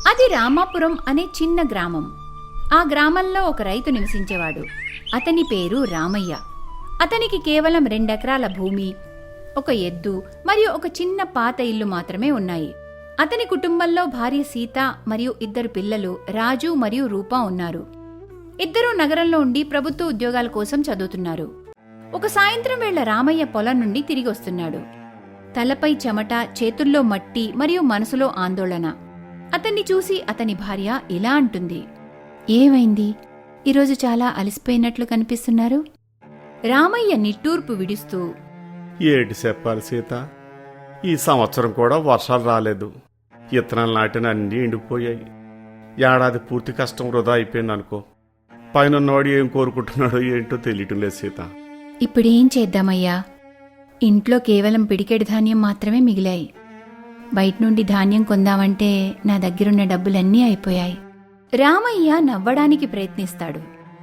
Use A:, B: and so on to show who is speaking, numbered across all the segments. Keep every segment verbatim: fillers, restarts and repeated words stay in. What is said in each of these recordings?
A: అది రామాపురం అనే చిన్న గ్రామం. ఆ గ్రామంలో ఒక రైతు నివసించేవాడు. అతని పేరు రామయ్య. అతనికి కేవలం రెండెకరాల భూమి, ఒక ఎద్దు మరియు ఒక చిన్న పాత ఇల్లు మాత్రమే ఉన్నాయి. అతని కుటుంబంలో భార్య సీత మరియు ఇద్దరు పిల్లలు రాజు మరియు రూపా ఉన్నారు. ఇద్దరూ నగరంలో ఉండి ప్రభుత్వ ఉద్యోగాల కోసం చదువుతున్నారు. ఒక సాయంత్రం వేళ రామయ్య పొలం నుండి తిరిగి వస్తున్నాడు. తలపై చెమట, చేతుల్లో మట్టి మరియు మనసులో ఆందోళన. అతన్ని చూసి అతని భార్య ఇలా అంటుంది, ఏమైంది? ఈరోజు చాలా అలసిపోయినట్లు కనిపిస్తున్నారు. రామయ్య నిట్టూర్పు విడుస్తూ,
B: ఏటి చెప్పాలి సీత, ఈ సంవత్సరం కూడా వర్షాలు రాలేదు. ఇత్తనాలు నాటిన అన్నీ ఎండిపోయాయి. ఏడాది పూర్తి కష్టం వృధా అయిపోయింది అనుకో. పైనన్నవాడు ఏం కోరుకుంటున్నాడో ఏంటో తెలియటం లేదు సీత.
A: ఇప్పుడేం చేద్దామయ్యా? ఇంట్లో కేవలం పిడికెడు ధాన్యం మాత్రమే మిగిలాయి. బయట నుండి ధాన్యం కొందామంటే నా దగ్గరున్న డబ్బులన్నీ అయిపోయాయి. రామయ్య నవ్వడానికి ప్రయత్నిస్తాడు.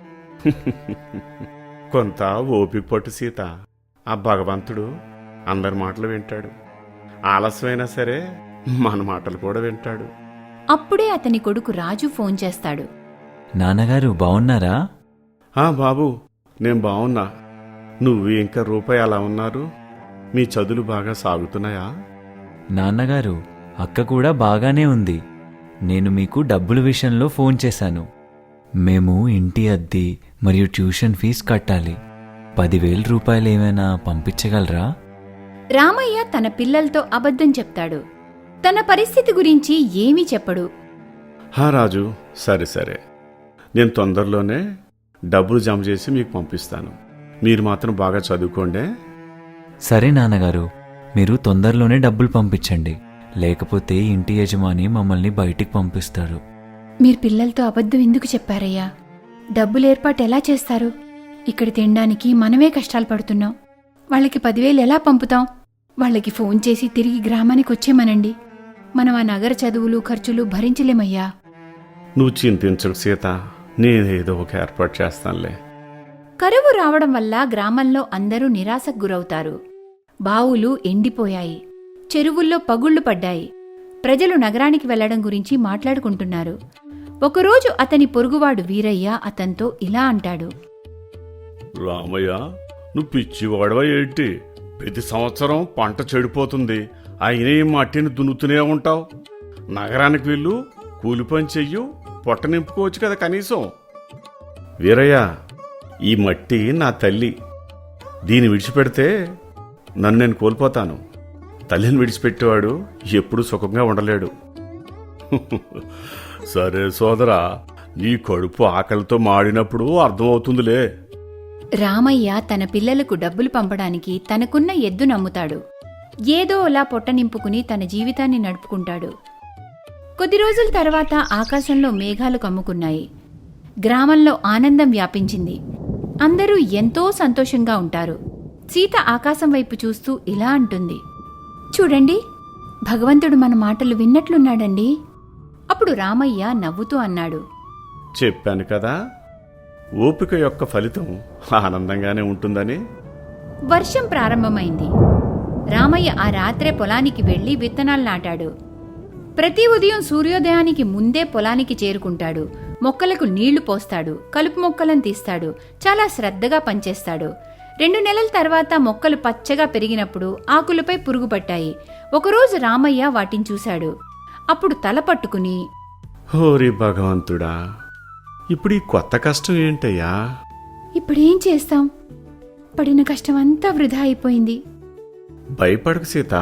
B: కొంత ఓపిక పట్టు సీత. ఆ భగవంతుడు అందరి మాటలు వింటాడు. ఆలస్యమైనా సరే మన మాటలు కూడా వింటాడు.
A: అప్పుడే అతని కొడుకు రాజు ఫోన్ చేస్తాడు.
C: నాన్నగారు బావున్నారా?
B: ఆ బాబు, నేను బావున్నా. నువ్వు ఇంకా రూపాయి అలా ఉన్నారు? మీ చదువులు బాగా సాగుతున్నాయా?
C: నాన్నగారు, అక్క కూడా బాగానే ఉంది. నేను మీకు డబ్బుల విషయంలో ఫోన్ చేశాను. మేము ఇంటి అద్దె మరియు ట్యూషన్ ఫీజు కట్టాలి. పదివేల రూపాయలు ఏమైనా పంపించగలరా?
A: రామయ్య తన పిల్లలతో అబద్ధం చెప్తాడు. తన పరిస్థితి గురించి ఏమీ చెప్పడు.
B: హా రాజు, సరే సరే, నేను తొందరలోనే డబ్బులు జమ చేసి మీకు పంపిస్తాను. మీరు మాత్రం బాగా చదువుకోండి.
C: సరే నాన్నగారు, మీరు తొందరలోనే డబ్బులు పంపించండి. లేకపోతే ఇంటి యజమాని మమ్మల్ని బయటికి పంపిస్తారు.
A: మీరు పిల్లలతో అబద్ధం ఎందుకు చెప్పారయ్యా? డబ్బులు ఏర్పాటు ఎలా చేస్తారు? ఇక్కడ తినడానికి మనమే కష్టాలు పడుతున్నాం. వాళ్ళకి పదివేలు ఎలా పంపుతాం? వాళ్ళకి ఫోన్ చేసి తిరిగి గ్రామానికి వచ్చేమనండి. మనం ఆ నగర చదువులు ఖర్చులు భరించలేమయ్యా.
B: నువ్వు చింతించకు సీత, నేనేదో ఒక ఏర్పాటు చేస్తానులే.
A: కరువు రావడం వల్ల గ్రామంలో అందరూ నిరాశకు గురవుతారు. బావులు ఎండిపోయాయి. చెరువుల్లో పగుళ్లు పడ్డాయి. ప్రజలు నగరానికి వెళ్లడం గురించి మాట్లాడుకుంటున్నారు. ఒకరోజు అతని పొరుగువాడు వీరయ్య అతనితో ఇలా అంటాడు.
B: రామయ్య, నువ్వు పిచ్చివాడవా ఏంటి? ప్రతి సంవత్సరం పంట చెడిపోతుంది, అయినా ఈ మట్టిని దున్నుతూనే ఉంటావు. నగరానికి వెళ్ళు, కూలి పని చెయ్యు, పొట్ట నింపుకోవచ్చు కదా కనీసం. వీరయ్య, ఈ మట్టి నా తల్లి. దీన్ని విడిచిపెడితే నన్ను నేను కోల్పోతాను. తల్లిని విడిచిపెట్టేవాడు ఎప్పుడూ సుఖంగా ఉండలేడు. సరే సోదరా, నీ కడుపు ఆకలితో మాడినప్పుడు అర్థమవుతుందిలే.
A: రామయ్య తన పిల్లలకు డబ్బులు పంపడానికి తనకున్న ఎద్దు నమ్ముతాడు. ఏదో అలా పొట్ట నింపుకుని తన జీవితాన్ని నడుపుకుంటాడు. కొద్ది రోజుల తర్వాత ఆకాశంలో మేఘాలు కమ్ముకున్నాయి. గ్రామంలో ఆనందం వ్యాపించింది. అందరూ ఎంతో సంతోషంగా ఉంటారు. సీత ఆకాశం వైపు చూస్తూ ఇలా అంటుంది, చూడండి, భగవంతుడు మన మాటలు విన్నట్లున్నాడండి. అప్పుడు రామయ్య నవ్వుతూ అన్నాడు,
B: చెప్పాను కదా, ఓపిక యొక్క ఫలితం ఆనందంగానే ఉంటుందని.
A: వర్షం ప్రారంభమైంది. రామయ్య ఆ రాత్రే పొలానికి వెళ్లి విత్తనాలు నాటాడు. ప్రతి ఉదయం సూర్యోదయానికి ముందే పొలానికి చేరుకుంటాడు. మొక్కలకు నీళ్లు పోస్తాడు, కలుపు మొక్కలను తీస్తాడు. చాలా శ్రద్ధగా పనిచేస్తాడు. రెండు నెలల తర్వాత మొక్కలు పచ్చగా పెరిగినప్పుడు ఆకులపై పురుగు పట్టాయి. ఒకరోజు రామయ్య వాటిని చూశాడు. అప్పుడు తల పట్టుకుని,
B: హోరి భగవంతుడా, ఇప్పుడు ఈ కొత్త కష్టం ఏంటయ్యా?
A: ఇప్పుడేం చేస్తాం? పడిన కష్టమంతా వృధా అయిపోయింది.
B: భయపడకు సీత,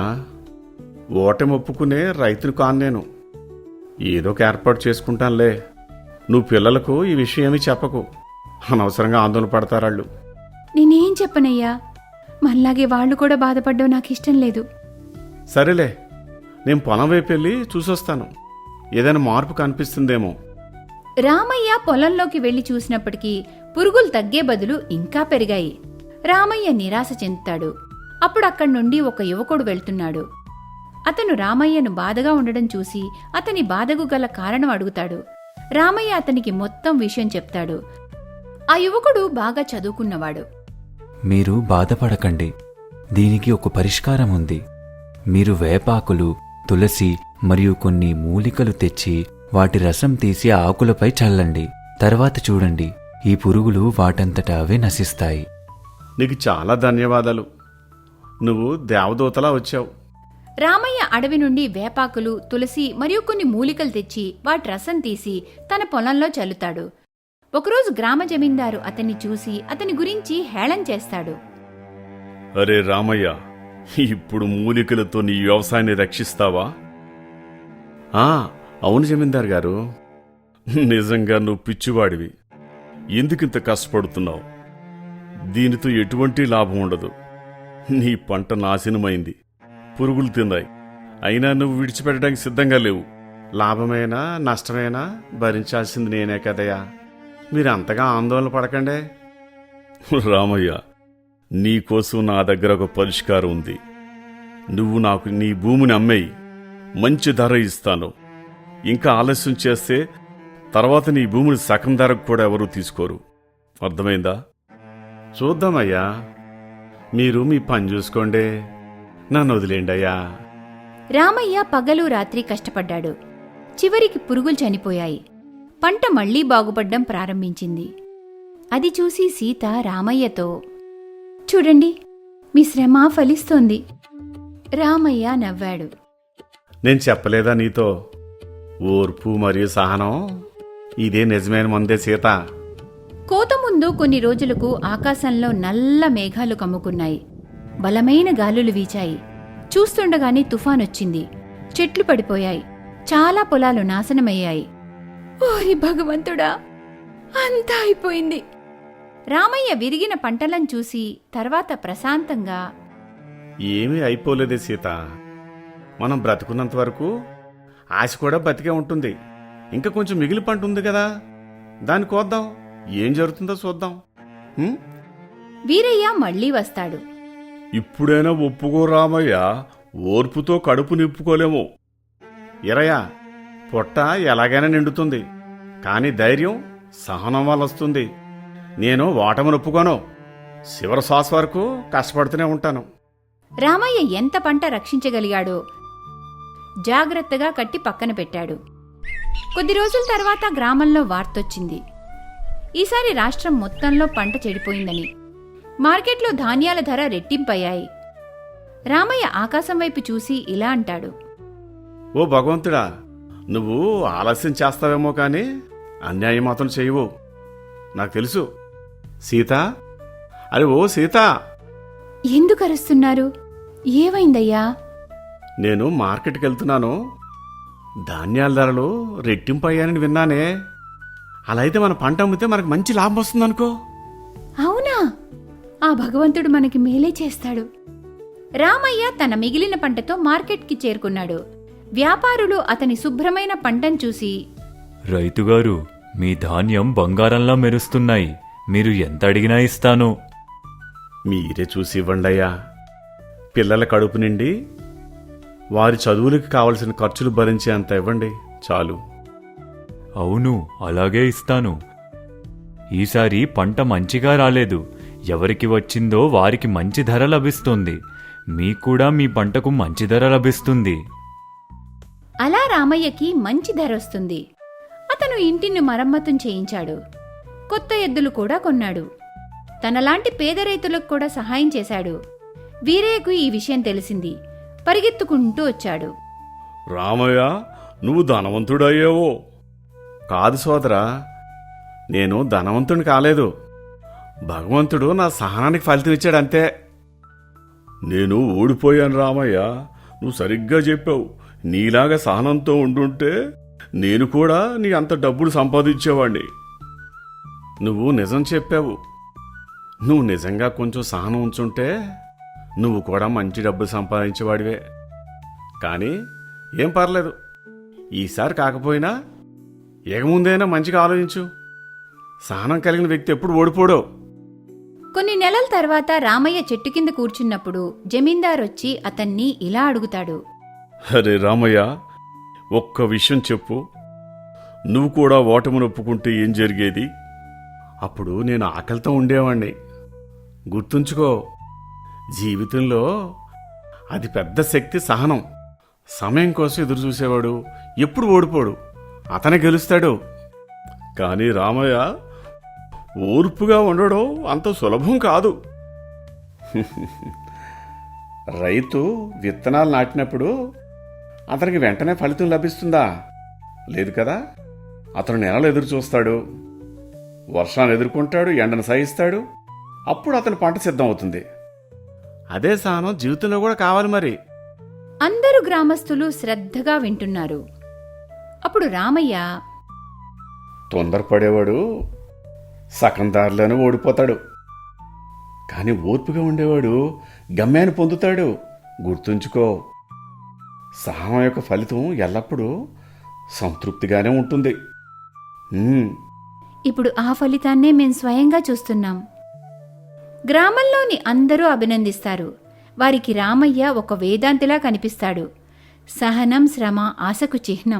B: ఓటమి ఒప్పుకునే రైతును కాను నేను. ఏదో ఒక ఏర్పాటు చేసుకుంటానులే. నువ్వు పిల్లలకు ఈ విషయం ఏమీ చెప్పకు, అనవసరంగా ఆందోళన పడతారాళ్ళు.
A: నేనేం చెప్పనయ్యా? మనలాగే వాళ్లు కూడా బాధపడ్డం నాకు ఇష్టం లేదు.
B: సరేలే, నేను పొలం వైపు వెళ్ళి చూసొస్తాను. ఏదైనా మార్పు కనిపిస్తుందేమో.
A: రామయ్య పొలంలోకి వెళ్లి చూసినప్పటికీ పురుగులు తగ్గే బదులు ఇంకా పెరిగాయి. రామయ్య నిరాశ చెందుతాడు. అప్పుడు అక్కడి నుండి ఒక యువకుడు వెళ్తున్నాడు. అతను రామయ్యను బాధగా ఉండడం చూసి అతని బాధకు గల కారణం అడుగుతాడు. రామయ్య అతనికి మొత్తం విషయం చెప్తాడు. ఆ యువకుడు బాగా చదువుకున్నవాడు.
C: మీరు బాధపడకండి, దీనికి ఒక పరిష్కారం ఉంది. మీరు వేపాకులు, తులసి మరియు కొన్ని మూలికలు తెచ్చి వాటి రసం తీసి ఆకులపై చల్లండి. తర్వాత చూడండి, ఈ పురుగులు వాటంతట అవే నశిస్తాయి.
B: నీకు చాలా ధన్యవాదాలు. నువ్వు దేవదూతలా వచ్చావు.
A: రామయ్య అడవి నుండి వేపాకులు, తులసి మరియు కొన్ని మూలికలు తెచ్చి వాటి రసం తీసి తన పొలంలో చల్లుతాడు. ఒకరోజు గ్రామ జమీందారు అతన్ని చూసి అతని గురించి హేళన చేస్తాడు.
B: అరే రామయ్య, ఇప్పుడు మూలికలతో నీ వ్యవసాయాన్ని రక్షిస్తావా? ఆ, అవును జమీందార్ గారు. నిజంగా నువ్వు పిచ్చివాడివి. ఎందుకింత కష్టపడుతున్నావు? దీనితో ఎటువంటి లాభం ఉండదు. నీ పంట నాశనమైంది, పురుగులు తిన్నాయి. అయినా నువ్వు విడిచిపెట్టడానికి సిద్ధంగా లేవు. లాభమైనా నష్టమైనా భరించాల్సింది నేనే కదయ్యా. మీరు అంతగా ఆందోళన పడకండే. రామయ్య, నీకోసం నా దగ్గర ఒక పరిష్కారం ఉంది. నువ్వు నాకు నీ భూమిని అమ్మేయి, మంచి ధర ఇస్తాను. ఇంకా ఆలస్యం చేస్తే తర్వాత నీ భూమిని సగం ధరకు కూడా ఎవరూ తీసుకోరు. అర్థమైందా? చూద్దామయ్యా. మీరు మీ పని చూసుకోండి, నన్ను వదిలేండి అయ్యా.
A: రామయ్య పగలు రాత్రి కష్టపడ్డాడు. చివరికి పురుగులు చనిపోయాయి. పంట మళ్లీ బాగుపడ్డం ప్రారంభించింది. అది చూసి సీత రామయ్యతో, చూడండి, మీ శ్రమ ఫలిస్తోంది. రామయ్య నవ్వాడు.
B: నేను చెప్పలేదా నీతో? ఓర్పు మరియు సహనం ఇదే నిజమైన మందే సీత.
A: కోత ముందు కొన్ని రోజులకు ఆకాశంలో నల్ల మేఘాలు కమ్ముకున్నాయి. బలమైన గాలులు వీచాయి. చూస్తుండగానే తుఫానొచ్చింది. చెట్లు పడిపోయాయి. చాలా పొలాలు నాశనమయ్యాయి. ఓరి భగవంతుడా, అంతా అయిపోయింది. రామయ్య విరిగిన పంటలను చూసి తర్వాత ప్రశాంతంగా,
B: ఏమీ అయిపోలేదే సీత. మనం బ్రతుకున్నంత వరకు ఆశ కూడా బతికే ఉంటుంది. ఇంకా కొంచెం మిగిలి పంట ఉంది కదా, దాన్ని కోద్దాం. ఏం జరుగుతుందో చూద్దాం. హ్మ్?
A: వీరయ్య మళ్లీ వస్తాడు.
B: ఇప్పుడైనా ఒప్పుకో రామయ్య, ఓర్పుతో కడుపు నింపుకోలేము. ఎరయ్య, పొట్ట ఎలాగైనా నిండుతుంది, కానీ ధైర్యం సహనం వల్ల వస్తుంది. నేను ఓటమిని ఒప్పుకోను. చివరి శ్వాస వరకు కష్టపడుతూనే ఉంటాను.
A: రామయ్య ఎంత పంట రక్షించగలిగాడో జాగ్రత్తగా కట్టి పక్కన పెట్టాడు. కొద్ది రోజుల తర్వాత గ్రామంలో వార్తొచ్చింది. ఈసారి రాష్ట్రం మొత్తంలో పంట చెడిపోయిందని. మార్కెట్లో ధాన్యాల ధర రెట్టింపయ్యాయి. రామయ్య ఆకాశం వైపు చూసి ఇలా అంటాడు.
B: ఓ భగవంతుడా, నువ్వు ఆలస్యం చేస్తావేమో కానీ అన్యాయం మాత్రం చేయవు. నాకు తెలుసు. సీత, అరే ఓ సీత.
A: ఎందుకు అరుస్తున్నారు? ఏమైందయ్యా?
B: నేను మార్కెట్కి వెళ్తున్నాను. ధాన్యాల ధరలు రెట్టింపు అయ్యానని విన్నానే. అలా అయితే మన పంట అమ్మితే మనకు మంచి లాభం వస్తుందనుకో.
A: అవునా? ఆ భగవంతుడు మనకి మేలే చేస్తాడు. రామయ్య తన మిగిలిన పంటతో మార్కెట్కి చేరుకున్నాడు. వ్యాపారులు అతని శుభ్రమైన పంటను చూసి,
C: రైతుగారు, మీ ధాన్యం బంగారంలా మెరుస్తున్నాయి. మీరు ఎంత అడిగినా ఇస్తాను.
B: మీరే చూసి ఇవ్వండయ్యా. పిల్లల కడుపు నిండి వారి చదువులకు కావలసిన ఖర్చులు భరించే అంత ఇవ్వండి చాలు.
C: అవును, అలాగే ఇస్తాను. ఈసారి పంట మంచిగా రాలేదు. ఎవరికి వచ్చిందో వారికి మంచి ధర లభిస్తుంది. మీకూడా మీ పంటకు మంచి ధర లభిస్తుంది.
A: అలా రామయ్యకి మంచి ధర వస్తుంది. అతను ఇంటిని మరమ్మతం చేయించాడు. కొత్త ఎద్దులు కూడా కొన్నాడు. తనలాంటి పేద రైతులకు కూడా సహాయం చేశాడు. వీరయ్యకు ఈ విషయం తెలిసింది. పరిగెత్తుకుంటూ వచ్చాడు.
B: రామయ్య, నువ్వు ధనవంతుడయ్యావో? కాదు సోదరా, నేను ధనవంతుని కాలేదు. భగవంతుడు నా సహనానికి ఫలితం ఇచ్చాడు అంతే. నేను ఓడిపోయాను రామయ్య. నువ్వు సరిగ్గా చెప్పావు. నీలాగా సహనంతో ఉండుంటే నేను కూడా నీ అంత డబ్బులు సంపాదించేవాణ్ణి. నువ్వు నిజం చెప్పావు. నువ్వు నిజంగా కొంచెం సహనం ఉంచుంటే నువ్వు కూడా మంచి డబ్బులు సంపాదించేవాడివే. కానీ ఏం పర్లేదు, ఈసారి కాకపోయినా ఇక ముందైనా మంచిగా ఆలోచించు. సహనం కలిగిన వ్యక్తి ఎప్పుడు ఓడిపోడో.
A: కొన్ని నెలల తర్వాత రామయ్య చెట్టు కింద కూర్చున్నప్పుడు జమీందార్ వచ్చి అతన్ని ఇలా అడుగుతాడు.
B: అరే రామయ్య, ఒక్క విషయం చెప్పు. నువ్వు కూడా ఓటమిని ఒప్పుకుంటే ఏం జరిగేది? అప్పుడు నేను ఆకలితో ఉండేవాణ్ణి. గుర్తుంచుకో, జీవితంలో అది పెద్ద శక్తి సహనం. సమయం కోసం ఎదురు చూసేవాడు ఎప్పుడు ఓడిపోడు. అతనే గెలుస్తాడు. కానీ రామయ్య ఓర్పుగా ఉండడం అంత సులభం కాదు. రైతు విత్తనాలు నాటినప్పుడు అతనికి వెంటనే ఫలితం లభిస్తుందా? లేదు కదా. అతను నెలలు ఎదురు చూస్తాడు, వర్షాన్ని ఎదుర్కొంటాడు, ఎండను సహిస్తాడు. అప్పుడు అతని పంట సిద్ధం అవుతుంది. అదే సహనం జీవితంలో కూడా కావాలి మరి.
A: అందరూ గ్రామస్తులు శ్రద్ధగా వింటున్నారు. అప్పుడు రామయ్య,
B: తొందరపడేవాడు సగం దారిలోనే ఓడిపోతాడు, కానీ ఓర్పుగా ఉండేవాడు గమ్యాన్ని పొందుతాడు. గుర్తుంచుకో, సహనం యొక్క ఫలితం ఎల్లప్పుడూ సంతృప్తిగానే ఉంటుంది. ఉమ్,
A: ఇప్పుడు ఆ ఫలితాన్నే మేం స్వయంగా చూస్తున్నాం. గ్రామంలోని అందరూ అభినందిస్తారు. వారికి రామయ్య ఒక వేదాంతిలా కనిపిస్తాడు. సహనం, శ్రమ ఆశకు చిహ్నం.